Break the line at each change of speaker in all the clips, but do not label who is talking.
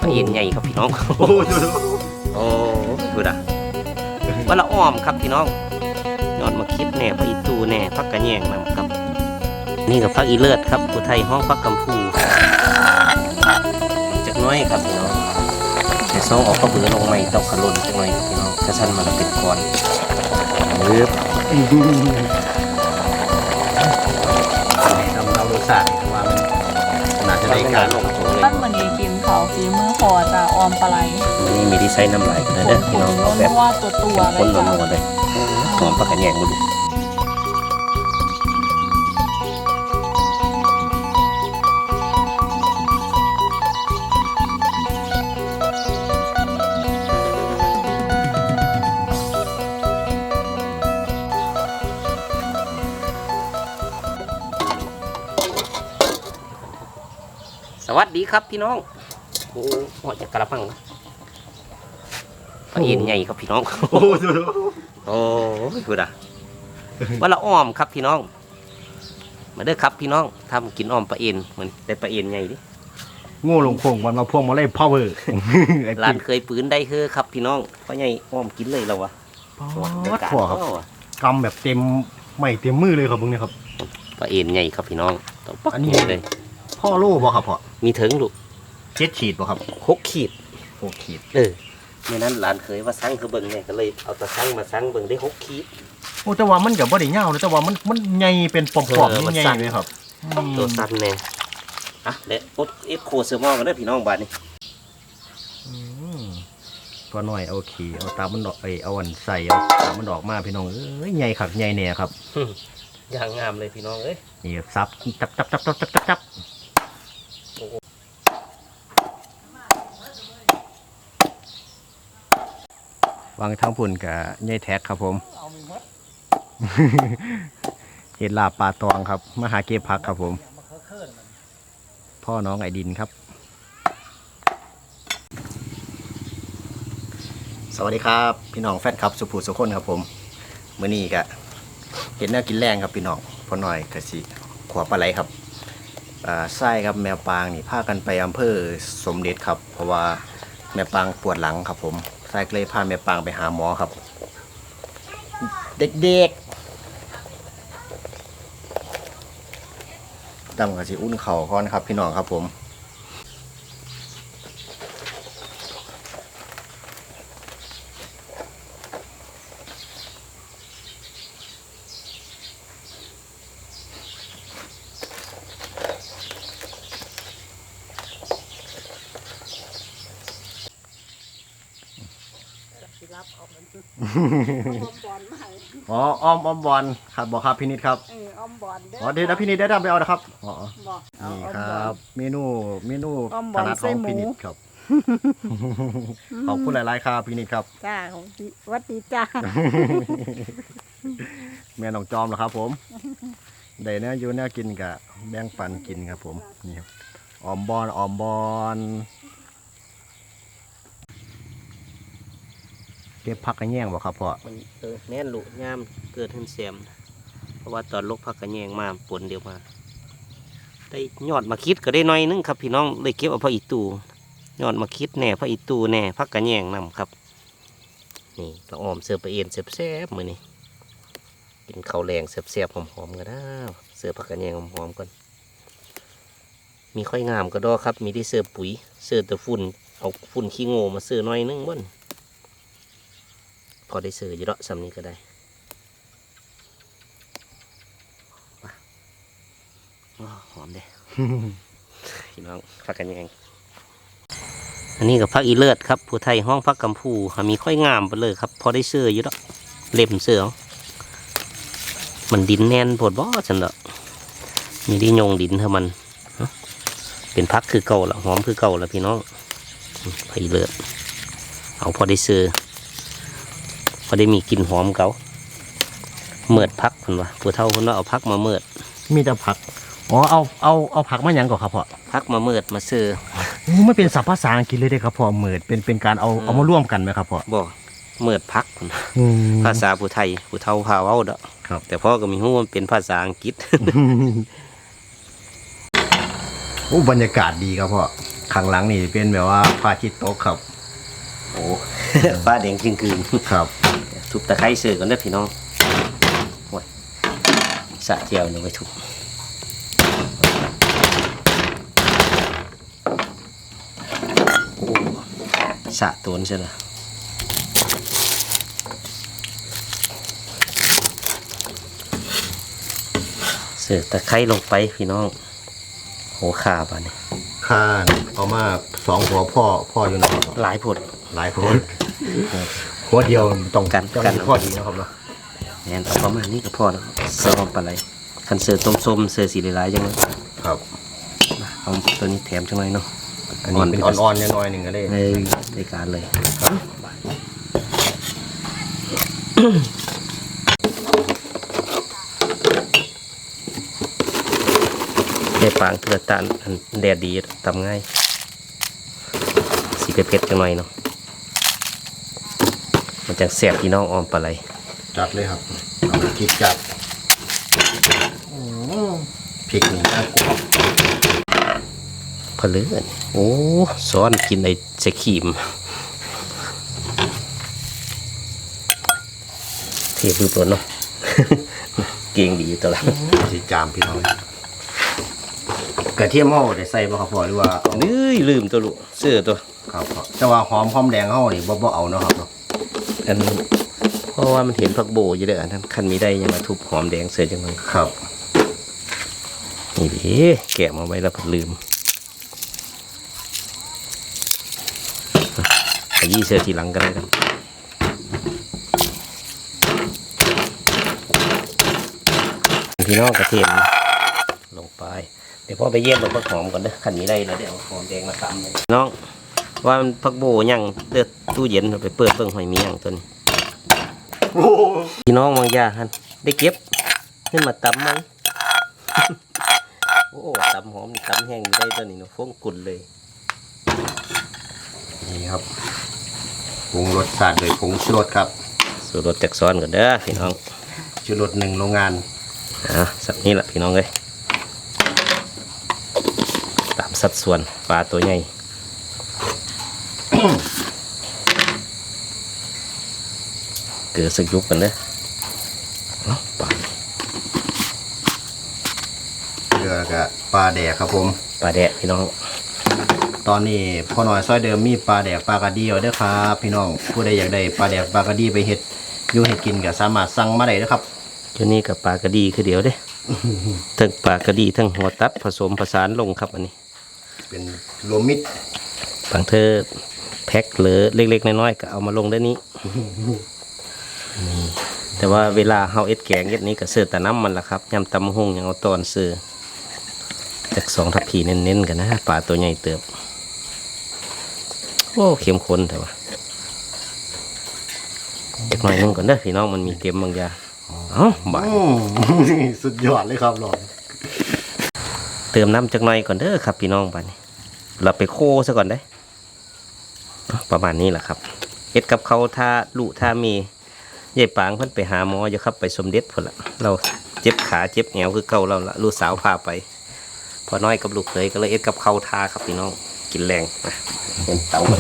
เอ็นใหญ่ครับพี่น้องโอ้ดูนะว่าละอ้อมครับพี่น้องยอดมาคิดแน่พระอีตูแน่พักกระแยงนำครับนี่กับพักอีเลิศครับผู้ไทยห้องพักกำพูจักน้อยครับพี่น้องแต่ซองออกก็เบื่อลงใหม่ตกขลุ่นจักน้อยพี่น้องกระชันมันเป็นก้อนเลือบทำเราดูสาว่ามันน่าจะได้การลงโถเลย
ตั้งมันนี้กินเขาฝีมือคอจะออมปลาไหล
นี่มีดีไซน์น้ำไหลเลยเด้อพี่น้องเอาแบบ
ว่าตัวเล
คน
ย
นัวๆเลยหอมปลากระแยงบุญสวัสดีครับพี่น้องโอ้โหจะกระปังนะปลาเอ็นใหญ่ครับพี่น้องโอ้ดูนะว่าละอ้อมครับพี่น้องมาเด้อครับพี่น้องทำกินอ้อมปลาเอ็นเหมือนได้ปลาเอ็นใหญ่ดิ
โง่ลงพวงวันมาพวงมาเล่พ่อเวอร์
ร้านเคยปืนได้เฮ้อครับพี่น้องเพราะใหญ่อ้อมกินเลยเราวะ
วัดขวครับกำแบบเต็มไม่เต็มมือเลยครับมึงเนี่ยครับ
ปลาเอ็นใหญ่ครับพี่น้องต้องปัก
อันนี้
เลย
พ่อโล่บ่ครับพ่อ
มีถึงลูก
7 ขีดบ่ครับ
6 ขีด
6 ขีด
เมื่อนั้นร้านเคยว่าสั่งคือเบิ่งเนี่ยก็เลยเอาตะสั่งมาสั่งเบิ่งได้6 ขีด
โอ้แต่ว่ามันกับบ่ได้เงาเลยแต่ว่ามันใหญ่เป็นปอมๆใหญ่ๆเลยครับ
ตัวสั้นแน่อ่ะเดี๋ยวอดเอฟโคเซอร์มอลกันได้อพี่น้องบ้านนี้
พอหน่อยเอาขี่เอาตามันดอกเอาอันใส่เอาตามันดอกมาพี่น้องเอ้ยใหญ่ขักใหญ่แน่ครับ
อย่างงามเลยพี่น้องเอ้ย
นี่ซับจับวางทั้งพุ่นกับใหญ่แท็กครับผม เห็ดลาบปลาตองครับมาหาเก็บผักครับผมพ่อน้องไอดินครับสวัสดีครับพี่น้องแฟนครับสุภูสุคนครับผมมื้อนี้ก็เห็นแนวกินแรงครับพี่น้องพ่อหน่อยกะสิขวบปลาไหลครับไส้ครับแมวปางนี่พากันไปอำเภอสมเด็จครับเพราะว่าแม่ปางปวดหลังครับผมไส้ก็เลยพาแม่ปางไปหาหมอครับเด็กๆตั้งกะสิอุ่นเข่าก่อนครับพี่น้องครับผมอ๋ออ้อมบอลครับบอกครับพี่นิดครับ
ออมบอลเด้อ
อ๋อเดี๋ยวนะพี่นิดได้ดำไปเอานะครับอ๋อ
บอก
นี่ครับเมนู
อ้อมบ
ถ
อล
นัดข
ใส่
อง
หมู
พี่นิดครับขอบคุณหลายๆครับพี่นิดครับ
จ้าของพี่วัดดีจ้า
แม่น้องจอมเหรอครับผมได้เนื้ออยู่เนื้อกินกับแบ่งปันกินครับผมนี่ครับออมบอลเก็บผักกระแยงบ่ครับพ่อ
มันแน่นลุย่ามเกิดขึ้นเสียมเพราะว่าตอนลกพักกระแยงมาปนเดียวมาได้ยอดมาคิดก็ได้น้อยนึงครับพี่น้องเลยเก็บเอาพระอีตูยอดมาคิดแน่พระอีตูแน่พักกระแยงนำครับนี่เราออมเสือปลาเอ็นแซ่บๆมื้อนี้กินข้าวแรงแซ่บๆหอมๆกันนะเสือพักกระแยงหอมๆก่อนมีค่อยงามก็ดอครับมีที่เสือปุ๋ยเสือตะฝุ่นเอาฝุ่นขี้โง่มาเสือน้อยนึงบ่นพอได้เสืออยู่ดอกสำนี้ก็ได้หอมเด้ พี่น้องพักกันยังอันนี้กับพักอีเลิศครับผู้ไทยห้องพักกำพูมีค่อยงามไปเลยครับพอได้เสืออยู่ดอกเล็บเสือมันดินแน่นปวดบ่ฉันดอกมีที่โยงดินเท่ามันเป็นพักคือเก่าละหอมคือเก่าละพี่น้องพักอีเลิศเอาพอได้เสือพอได้มีกลิ่นหอมเก่าเมิดพักคนวะผู้เฒ่าคนว่าเอาพักมาเมิด
มีแต่ผักอ๋อเอาผักมาหยังก่อนครับพ่อ
พักมาเมิดมาเสือ
ไม่เป็นศัพท์ภาษาอังกฤษเลยได้ครับพ่อเหมือดเป็นการเอามาร่วมกันไหมครับพ่อ
บ่เมิดพักพุ่นภาษาผู้ไทยผู้เฒ่าพาเว้าเด้อ
ครับ
แต่พ่อก็มีฮู้มันเป็นภาษาอังกฤษ
โอ้บรรยากาศดีครับพ่อข้างหลังนี่เป็นแบบว่าพระอาทิตย์ตกครับ
โอ้ ฟ้าแดงจริงคืน
ครับ
ทุบตะไคร้เสือก่อนเด้อพี่น้องโอ้ยสะเจียวเนี่ยไปทุบโอ้สะตัวนี่ใช่ไหมเสือตะไคร้ลงไปพี่น้องโหขาป่ะเนี่ย
ข้านเอามา2 หัวพ่ออยู่นะครับ
หลายผด
หลายคนหัวเดียวต้อง
กัน
พ่อดีนะครับเนาะ
แอนเอาประมาณนี้ก็พอแล้วเสิร์ฟปลาไหลคันเสิร์ฟต้มส้มเสิร์ฟสีหลายๆจังเลย
ครับ
เอาตัวนี้แถมจังเลยเนาะ
อันนี้เป็นอ่อนๆน้อยๆหนึ่งก็ได้
ในรายการเลยเด็ดปางเกลือตาลอันแดดดีทำง่ายสีเผ็ดๆจังหน่อยเนาะมันจะแสบพี่น้องออมปลาไหล
จัดเลยครับเอาพริกจัดพริกนี่น่ากลัว
พะเลือนโอ้ซ้อนกินไอ้เสขีมเทพือปนเนาะ เก่งดีตัวละ
สีจามพี่น้องกระเทียมห่อได้ใส่บ่ครับพ่อหรือว่าเอา
ลืมตัวลูกเสื้อตัว
ครับพ่อแต่ว่าหอมแดงห่อนี่บ่เอาเนาะครับเนาะ
อันเพราะว่ามันเห็นผักโบอยู่เด้ออันนั้นคันมีได้ยังมาทุบหอมแดงเสื้อจังเลย
ครับ
นี่ดิแกะมาไว้แล้วก็ลืมขยี้เสื้อทีหลังกันเลยครับพี่น้องกระเทียมลงไปเดี๋ยวพ่อไปเยี่ยมผักหอมก่อนเด้อคันมีได้แล้วเดี๋ยวเอาหอมแดงมาตำเลยน้องว่ามันผักโบยังเดือดตู้เย็นเอาไปเปิดเบิ่งหอยมียังตัวนี้พี่น้องบางอยางฮันได้เก็บขึ้นมาตำไหม โอ้ตำหอมนี่ตำแห้งนี่ได้ตัวนี้เนาะฟงกุ่นเลย
นี่ครับปรุงรสชาติโดยผงชูรสครับ
สูตรรสจากซ้อนก่อนเด้อพี่น้อง
ชูรส1 โรงงาน
สักนี้แหละพี่น้องเลยตามสัดส่วนปลาตัวใหญ่ เกลือสักยุบกันเด้อเอาปลา
เกลือกับปลาแดกครับผม
ปลาแดะพี่น้อง
ตอนนี้พ่อหน่อยซอยเดิมมีปลาแดกปลากระดีเอาเด้อครับพี่น้องผู้ใดอยากได้ปลาแดกปลากระดีไปเฮ็ดอยู่เฮ็ดกินก็สามารถสั่งมาได้นะครับ
ตัวนี้กับปลากระดีคือเดียวเด้ ทั้งปลากระดีทั้งหัวตัดผสมผสานลงครับอันนี้
เป็นรวมมิตร
บางเธอแพ็คเหลือเล็กๆน้อยๆก็เอามาลงได้นี้ นี่แต่ว่าเวลาเฮาเอ็ดแกงเอ็ดนี้ก็เสือแต่น้ำมันละครับยำตำหงยังเอาตอนเสือจาก2 ทัพพีเน้นๆกันนะปลาตัวใหญ่เติบโอ้เข้มข้นแต่ว่าเด็กหน่อยนึงก่อนเด้อพี่น้องมันมีเกมบางอย่างเอ้าบ่าย
สุดยอดเลยครับหลอน
เติมน้ำจักหน่อยก่อนเด้อครับพี่น้องบ้านนี้เราไปโคซะก่อนได้ประมาณนี้แหละครับเฮ็ดกับเขาท่าลุท่ามียายปางเพิ่นไปหาหมออยู่ครับไปสมเด็จพุ่นละเราเจ็บขาเจ็บแหวคือเก่าเราละลูกสาวพาไปพอน้อยกับลูกเคยก็เลยเอ็ดกับเขาท่าครับพี่น้องกินแรงนะเป็นเตาเลย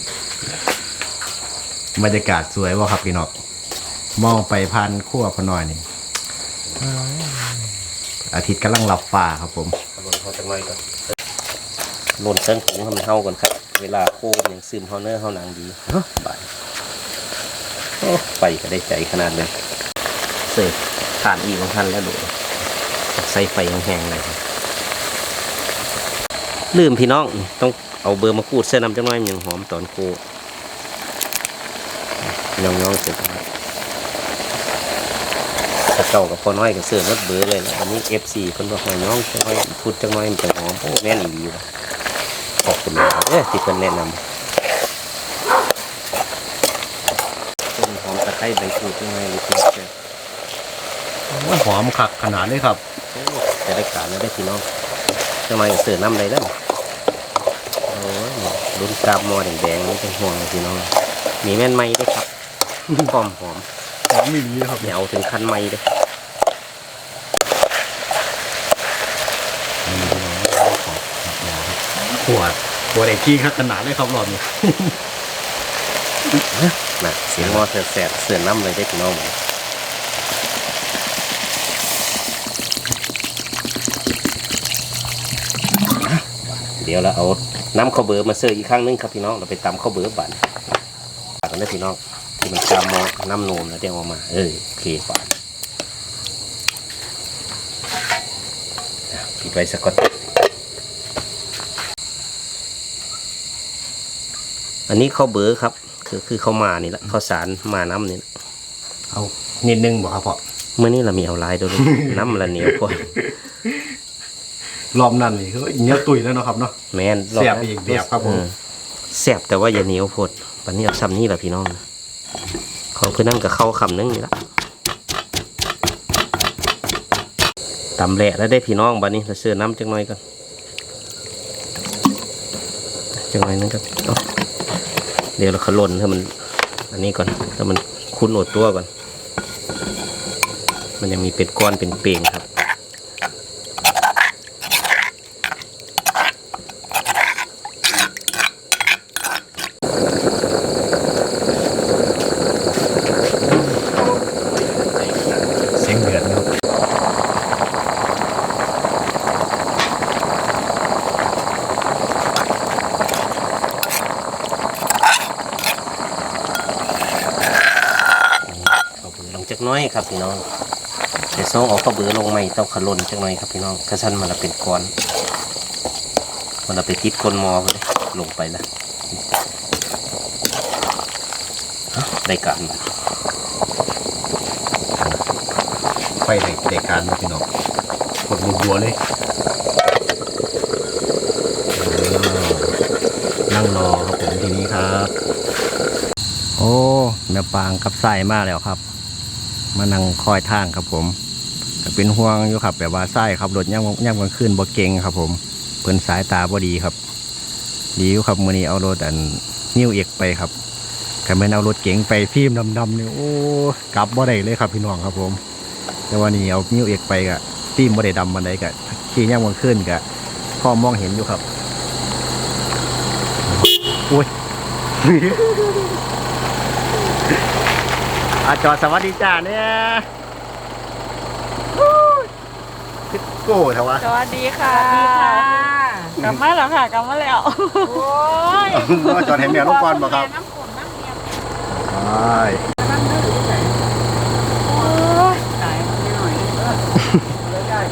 บรรยากาศสวยว่ครับพี่น้องมองไปพันขั้วพอหน่อยนี่อาทิตย์กำลังหลับฟ้าครับผม
ลนเขาจักหน่อยก่อนลนเส้นถุงให้มันเท่ากันครับเวลาโค้งอย่างซึมเฮาเนื้อเฮาหนังดีบ่ายโอ้ไปก็ได้ใจขนาดนี้เสิร์ฟทานอีกของท่านแล้วดูใส่ไฟแห้งๆเลยครับลืมพี่น้องต้องเอาเบอร์มาขูดเส้นน้ำจังน้อยมันยังหอมตอนโคย่องๆเสร็จแล้วถ้าเก่ากับพอน้อยกับเสื้อรถเบอร์เลยนะวันนี้ FC เพิ่นบอกให้น้องจังน้อยพูดจังน้อยมันจะหอมโอ้แม่นอีหลีว่ะขอบคุณเลยที่เพิ่นแนะนำต้นหอมตะไคร้ใบขูดจังน้อยหรือเปล่า
หอมคักขนาดเลยครับ
จะได้การแล้วได้พี่น้องจังน้อยเสื้อน้ำเลยแล้วโอ้ยรุ่นกาบมอแดงๆนี่เป็นห่วงพี่น้องมีแม่นไม้ด้วยครับหอมหอม
หอมมีนี้ครับ
เหนียวถึงคันไม้เลย
ขวดตัวเด็กขี้ขนาดเลยครับรอบนี้
นะเสียงหม้อแสบๆเสือน้ำเลยได้พี่น้องเดี๋ยวเราเอาน้ำข้าวเบอร์มาเสิร์ฟอีกครั้งนึงครับพี่น้องเราไปตำข้าวเบอร์บั่นฝากกันได้พี่น้องที่มันจำมอน้ำนมแล้วเดี๋ยวเอามาโอเคฝากปิดไว้สักก่อนอันนี้ข้าวเบอร์ครับคือข้าวมานี่แหละข้าวสารมาน้ำนี่แหละ
เอานิดนึงบอกครับพ่อ
เมื่อนี้เรามีเอาลายด้วย น้ำละเหนียวกว่าร
อบนั้นนี่คือเนื้อตุยแล้วเนาะครับเนาะ
แม่น
แซ่บอีกแบบครับผม
แซ่บแต่ว่าอย่าเหนียวโพดปันนี้เอาซ้ำนี่แหละพี่น้องเขาคือนั่งกับข้าวคำนึงนี่ละตำแหละแล้วได้พี่น้องบัดนี้เราเสือน้ำจังหน่อยก่อนจังหน่อยนึงครับเดี๋ยวเราขล่นถ้ามันอันนี้ก่อนถ้ามันคุ้นอดตัวก่อนมันยังมีเป็นก้อนเป็นเป่งครับ
เสียงเดือดนะครับ
ลงจักน้อยครับพี่น้องเดี๋ยวส่งเอาข้าวเบือลงใหม่ต้องขล่นจักหน่อยครับพี่น้องกระชั้นมันละเป็นก้อนมันละไปติดก้นหมอเลยลงไปแล้วได้การมา
ไฟเด็กการนะพี่น้องกดบัวๆเลยนั่งรอครับผมทีนี้ครับ โอ้แม่ปางกับไส้มากแล้วครับ มานั่งคอยทางครับผมก็เป็นห่วงอยู่ครับแบบว่าไส้ครับรถย่ำกลางคืนบ่เก่งครับผมเพิ่นสายตาบ่ดีครับดีอยู่ครับมื้อนี้เอารถนิ้วเอกไปครับก็ไม่นเอารถเก๋งไปฟิล์มดำๆนี่โอ้กลับบ่ได้เลยครับพี่น้องครับผมแต่ว่านี่เอานิ้วเอกไปก็ฟิล์มบ่ได้ดำมันได้ก็ขี่ย่ำกลางคืนก็พอมองเห็นอยู่ครับโอ้ย จอดสวัสดีจ้าเนี่ยคิดโก้เถอะวะ
สวัสดีค่ะกลับมาแล้วค่ะกลับมาแล้วโอ้ย
จอดให้แมวลูกบอลบ่ครับ
น้ำฝนน้ำเนียม
ใช่
โอ้ยตายมันไม่หน่อยเลยได้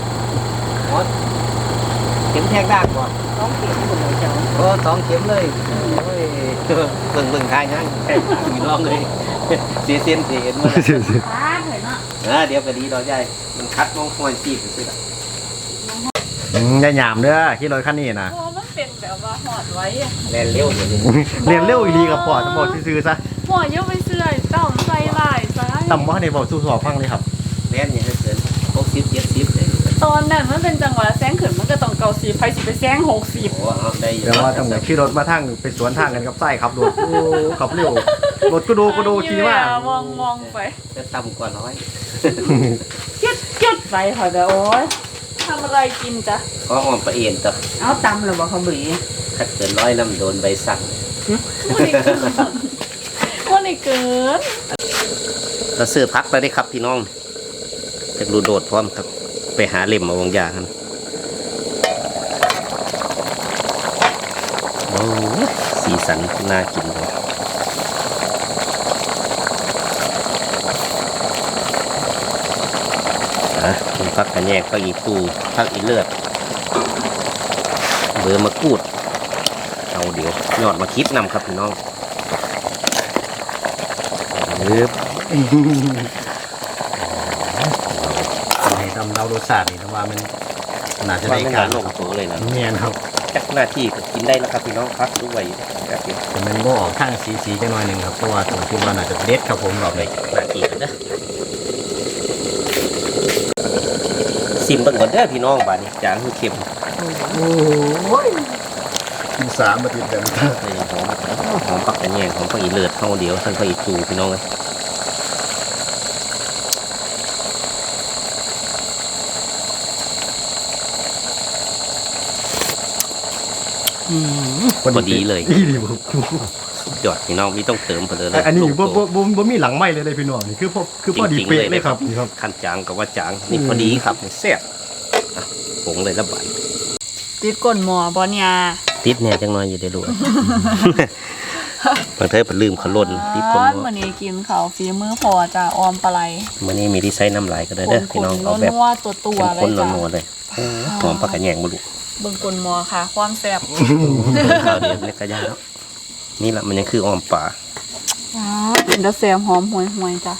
เข็มแทงด่างก่อน
ต้องเขียนหมดเลยเจ้า
ก็2 เข็มเลยโอ้ยเบิ่งทายงั้นพี่น้องเลยเสียเส้นเสียเอ็นมา
ฟ้าเห็นเนาะ
เดี๋ยวก็ดีดอกใหญ่มันคัดมองคอยจีบสิล่ะ
อย่าหยามเด้อขี่รถคันนี้นะ
โอ้มันเป็นแบบว่าหอดไว้อะ
แล่นเร็วเลย
เรียนเร็วอีดีกับปอดจะบอกซื้อๆซะ
หัวเยอะไปเสื่อยต่อมใส่ลายซะ
ต่ำว่าในบอกสู้สอบฟังเลยครับ
แล่นอย่างเกิน60 70เลย
ตอนนั้นมันเป็นจังหวะแซงขึ้นมันก็ต้องเกาสีไฟสิไปแซง60
โอ้เอาได้อยู่
แต่ว่าต้องขี่รถมาทางไปสวนทางกันกับไส้ครับรถโอ้ขับเร็วรถก็ดูขี่มาก
มองไป
จะต่ำกว่า100
ยึดไปค่ะแต่โอ๊ยทำอะไรกินจ๊ะ
ก็อ่อนประเอ็นต่อ
เอาตำหรือว่าเขาบี
ถ้าเกิน100น้ำโดนใบสั่ง
วันนี้เกินวันนี้เกิน
เราซื้อพักแล้วได้ครับพี่น้องจากรูโดดพร้อมครับไปหาเล่มมาวางยากันโอ้ยสีสันน่ากินเลยพักกันแยกพักอีตูพักอีเลือดเบอร์มะกรูดเอาเดี๋ยวยอดมาคิดนำครับพี่น้อง
ให้ทำเรารสชาตินี่นะว่ามันน่าจะ
ว่า
ได้
ไม่
กาน
าร นลงตัวเลยนะ
เนียนครับ
จักหน้าที่ก็กินได้แล้วครับพี่น้องพักด้วยแบบนี้
แต่มันก็ออกข้างสีจะหน่อยหนึ่งครับเพราะว่าตัวที่ว่าน่าจะเด็ดครับผมรอบ
เล
นี้
ยหน้าที่กันนะซิมเบิ่งก่อนเด้อพี่น้องบ้านนี้จางคือเค็ม
โอ้ยกิน3 อาทิตย์แบบนี้
เลยหอมปักกระแยงหอมปักอีเลือดเท่าเดียวทั้งปักอีตูพี่น้องเลยพอดีเลย
อีหลีบ่
ยอดพี่น้องมีต้องเติมไปเลย
อันนี้
ลง
บ่
ตัว
บ่มีหลังไม้เลยพี่น้องนี่คือพอดี
จริงๆ
เป๊ะเลยครับนี่ครับ
ขั้นจางกับว่าจางนี่พอดีครับนี่แซ่บอ่ะผงเลยละบาท
ติดก้นหมอบอลยา
ติดเนี่ยจังน้อยอยู่ได้รู้ บางเทอไปลืมขลุ่นติดคน
วันนี้กินข้าวฝีมือพอจ้ะออมปลาไหล
วันนี้มีที่ใช้น้ำลายก็ได้เด้อพี่น้องเอาแบบ
นัวๆตัวๆเล
ข้
ย
น
จ้ะ
ๆนัวๆเลยหอมปลากระแยงมาลูก
เบิ่งก้นหมอค่ะ ความแซ่บ
ข้าวเดียวในกระยาแล้วนี่แหละมันยังคืออ้อมป่า
เป็นตะแซ่บหอมห่วยๆจ้ะ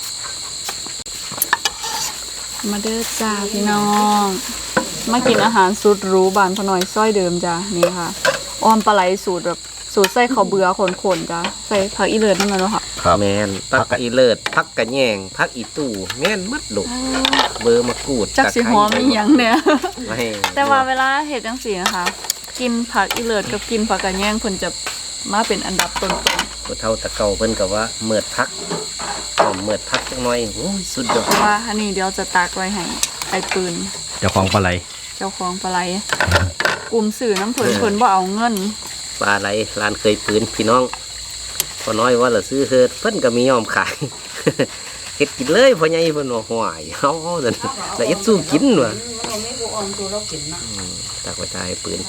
มาเด้อจ้าพี่น้องมากินอาหารสุดหรูบานพอหน่อยซ้อยเดิมจ้ะนี่ค่ะออมปลาไหลสูตรแบบสูตรใส่ข้าวเบื่อขนๆจ้ะใส่ผักอีเลิศนั่นแหละเนาะค่ะ
แมนพักอีเลิศพักกระแยงพักอีตู้แม่นมัดลูกเบอร์มะกรูด
จักสิหอมอีหยังเนี่ย
ไม่
แต่ว่าเวลาเห็ดจังสีนะคะ กินผักอีเลิศกับกินผักกระแยงเพิ่นจะมาเป็นอันดับต้น
ผู้เฒ่าตะเก่าเพิ่นก็ว่าเมิดพักหอมเมิดพักจังหน่อยโอ้ยสุดยอ
ๆ
ด
เพราะว่าอันนี้เดี๋ยวจะตากไว้ให้ไอ้ปืน
เจ้าของปลาไหล
เจ้าของปลาไหลกลุ่มสื่อน้ำเพิ่นบ่เอาเงิน
ปลาไหลร้านเคยปืนพี่น้องพอน้อยว่าเราซื้อเฮ็ดเพิ่นก็มียอมขาย เฮ็ดกินเลยพ่อใหญ่เพิ่นว่าห่วยเฮาซั่นแล้วเอ็ดสู้กินว่ะตากไว้ตายปืน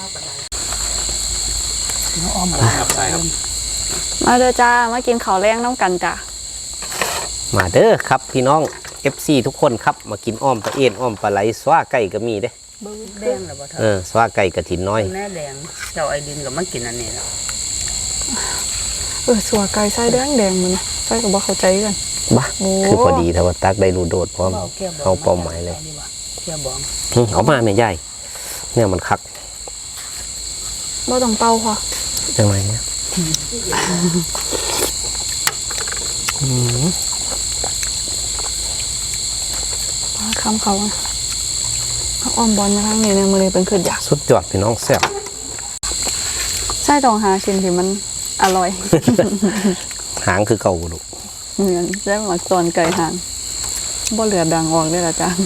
มาเด้อจ้ามากินข้าวแรงน้ำกันจ้ะ
มาเด้อครับพี่น้อง FC ทุกคนครับมากินอ้อมปลาเอ็นอ้อมปลาไหลสวาไก่ก็มีเด้
แดงหรือเปล่า
สวาไก่กระถินน้อย
แม่แดงเจ้าไอดินกับมากินอันนี้แล้ว
สัวไก่ไส้แดงมันไส้กับบ่เข้าใจกัน
บ้าคือพอดีแต่ว่าตักได้รูโดดพร้อมเอาเป้าหมายเลย
เกี่ยวบอง
เอามาแม่ใหญ่เนี่ยมันคัก
บ่ต้องเป่าค่ะ
จังไรเนี่ย
คำเขาเอาอ้อมบอลมาทางนี้เนี่ยมื้อนี้เป็นขึ้นอยาก
สุดยอดพี่น้องแซ่บ
ไส้ต้องหาชิ้นที่มันอร่อย
หางคือเก่าลูก
เหมือนได้หมักตอนไก่หางบ่เหลือดังออกเลยละจ้า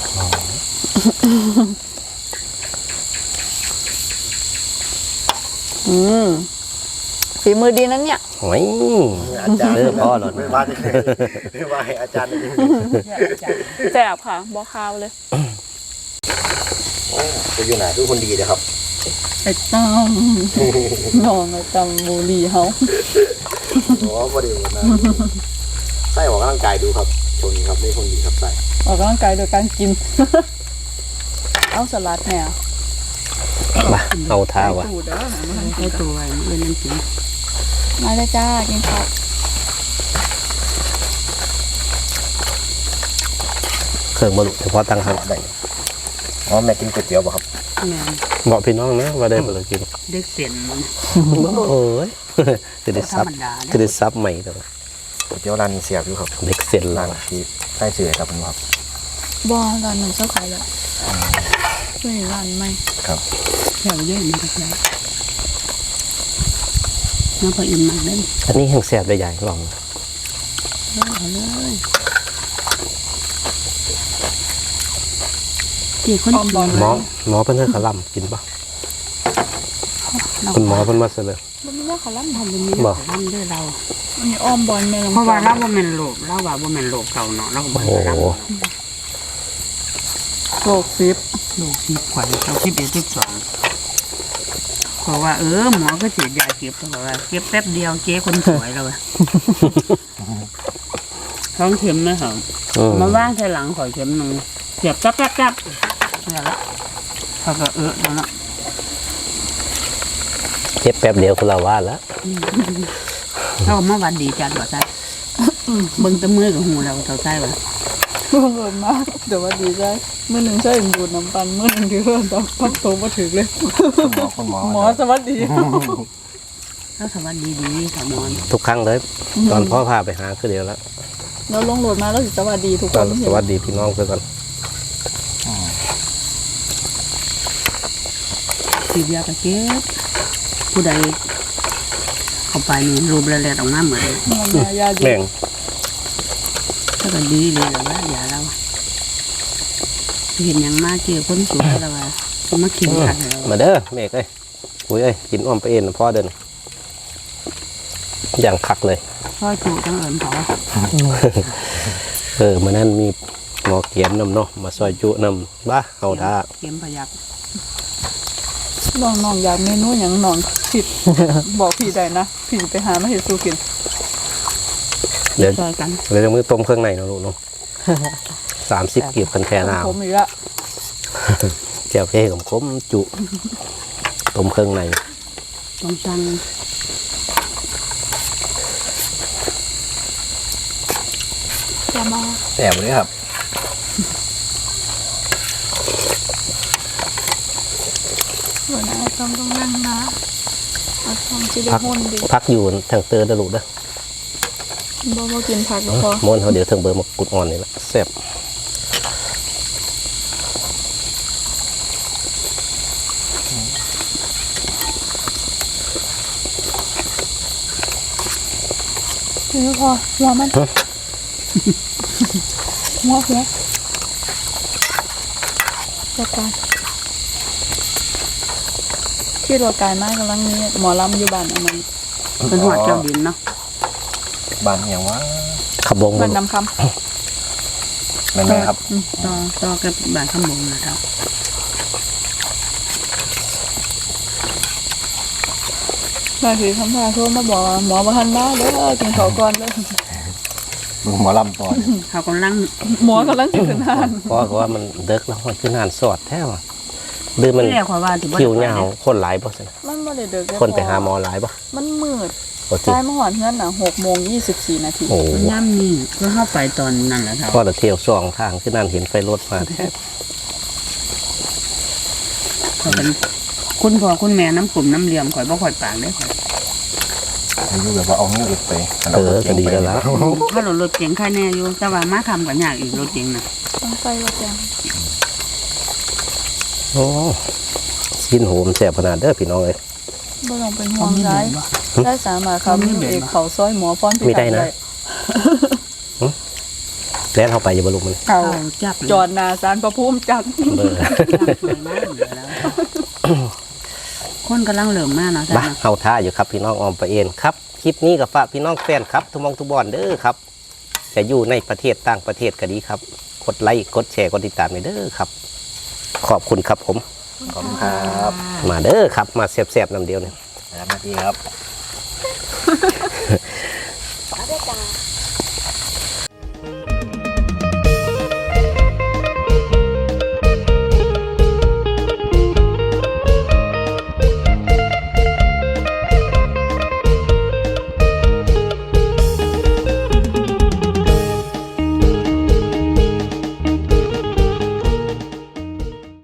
ฝีมือดีนั้นเนี่ย
โอ้ยพ่อหรอ
ไม่ว่าจะไม่ว่าให้อาจารย์
แซ่บค่ะบ่คาวเลย
จะอยู่ไหนคือคนดีนะครับ
ไอ้ต้อมน้องไอ้ต้อมบุรีเฮา
อ๋อพอดีนะไส้ออกกำลังกายดูครับชนครับไม่คนดีครับไส้
ออกกำลังกายโดยการกิน เอาสลัดแหน่
มาเอาท่าวะ
สูตรเด้อ
ไอตัวไอ้เอ็นนั่นกิน
มาเลยจ้ากินข้าว
เครื่องบรรลุเฉพาะตั้งหันได้
อ๋อแม่กินก๋วยเตี๋ยวป่ะครับ
แม่
บอกพี่น้องนะว่าได้บรรลุกิน
เด็กเสียนมัน
โอ้ยคือได้
ธร
ซับ
รมดา
คือได้ซับใหม่แต่
ก๋วยเตี๋ยวร้านนี้เสียบอยู่ครับ
เด็กเสร็จ
ร้า
แล้ว
นที่ใต้เสือครับผมครับ
บ่ร้านหนึ่งเจ้าขายแล้วไม่ร้านไม่
ครับ
แถวเยอะมันก็ได้น้ำพออิ่มมากเลย
อันนี้แห้งแซ่บได้ใหญ่ลอง
เอาเลยตีคนกิน
หมอเพิ่นให้ขะล่ำกินป่ะคุณหมอเพิ่นมาเสนอ
มันไม่ได้ขอรับ
ทำเป็นนี้
บ่
ทำด้วยเรา
อันนี้อ้อมบอลแม่ลำ
เพราะว่าเราบ่แม่นโลกเราว่าบ่แม่นโลกเก่าเนาะเราก็บ่
โอ้
ได้
โห
รับ
โลกซิป
โลกที่ขวัญเรา11 12เพราะว่าหมอก็ฉีดยาเก็บเพราะว่าเก็บแป๊บเดียวเจ๊คนสวยเราอะ ท้องเข็มไหมครับ มาว่างใส่หลังขอยเข็มหนึ่งเสียบจับนี่ละเขาก็นั่นละ
เจ็บแป๊บเดียวคุณละว่าแล้ว
เขาก็มาวันดีจัดว่าใช่เบิ่งแตะมือกับหูเราเท่าใช่ป่ะ
บังเอิญมากเดี๋ยวว่าดีใจมื้อหนึ่งใช่ดูดน้ำปันมื้อหนึ่งที่เริ่มต้องพักโตมาถึงเลย
คุณหมอ
หมอสวัสดี
แล้วสวัสดีสามอน
ทุกครั้งเลย ตอนพ่อพาไปหาคือเดียวแล้ว
เราลงโหลดมาแล้วสิสวัสดีทุกค
ก็
น
สวัสดีพี่น้องเพื่อนกัน
ฉีดยากระเก็บผู้ใดเข้าไปนี่รูปแรกๆออกมาเหมือนเลย
ยาดี
แม่ง
ถ้าก็ดีเลยแต่ว่าอย่าเราเห็นอย่างมากเกี่ยวคนสวยแล้วว่าก็มาเขียนกันเรา
มาเด้อเมฆเอ้ยอุ้ยเอ้ยกินอ้อมไปเอ็นนะพ่อเดินอย่างคักเลย
ซอยจูจังเอิญเขา
มื่อนั้นมีหมอเกียนนำเนาะมาซอยจุนำบ้าเอาท่า
เข็มพยัก
น้องอยากเมนูอย่างน้องผิด บอกพี่ได้นะพี่ไปหามาเฮ็ดสู้กิน
เดี๋ยว
ซอยกัน
เดี๋ยวมือต้มเครื่องในเนาะลูกเนาะ30กีบคันแทนเอา
ผมอีกละ
แจ่วเพ่กับคมจุต้มเครื่องใน
ต้องจัง
จะมา
แอบเลยครับ
หัวหน้าต้องนั่งนะเอาทองสิได้
พัก
ม่วนดี
พักอยู่ทางเตอร์เด้อลูกเด้อ
บ่กินผักแล้วพอ
ม้วนเขาเดี๋ยวถึงเบอร์มากุดอ่อนนี่แหละแซ่บ
นี่พอหัวมันหัวจัดการที่รถกายมากกำลังนี้หมอลำอยู่บ้านอันนั้น
เป็นหัวเจ้าดินเนาะ
บ้านอย่างว่า
ขบง
บ้านนำค
แม่นไหมครับ
ต่อกับบ้านข้ามบงนะครับ
ำมาถือคำพาโทรมาบอกว่าหมอมาหันมาเด้อกินข้าวก่อนเด้อ
มึงหมอลำต่อ
เขากำลัง
หมอกำลังสิขึ้นหาน
เพราะว่ามันเด็กแล้วมันคือนานสอดแท้ว่ะดื้อมัน
ที่แรกว่าที่
คิวยาวคนหลายบ่สิ
มันบ่ได้เด้อเด้อ
คนไปหาหมอหลายบ่
มันมืด
บ่สิ
ใต้มาหอนเฮือนน่ะ6:24 นาที
โอ้
มันย่ำนี่ก็เข้าไปตอนนั้นแหละครับ
พ่อจะเที่ยวสองทางคือนานเห็นไฟรถมาแท้
เขาเป็นคุณพ่อคุณแม่น้ำกลุ่มน้ำเหลี่ยมข่อยบ่ข่อยปากได้ข่อย
อายุแบบว่าเอาเงี้ยไป
ก็ดีแล้วล่ะ
ถ้ารถเก๋งใครแน่อยู่แต่ว่ามาทำกับยากอีกรถเก๋งนะ
ต้องใส่ว่าจัง
โอ้ชิ้นโหมแซ่บขนาดเด้อพี่น้องเอ้ย
บ่ต้องเป็นห่วงร้ายได้สามารถครับเอกเขาซอยหมอฟ้อนพิ
มีได้นะ แล้วเข้าไปอย่าบรรลุมัน
เขา
จับ
จอดหน้าศาลพระภูมิจัด
เบอร์
สวยมากเลยแล้วคนกำลังเหลิมมากเนาะ
บ้าเอาท่าอยู่ครับพี่น้องออมไปเอ็นครับคลิปนี้กับฝากพี่น้องแฟนครับทุกมองทุกบอนเด้อครับจะอยู่ในประเทศต่างประเทศก็ดีครับกดไลค์กดแชร์กดติดตามให้เด้อครับ ขอบคุณครับผม
ขอบคุณครับ
มาเด้อครับมาแซ่บๆน้ำเดียวเนี่ย
นะครับนาทีครับ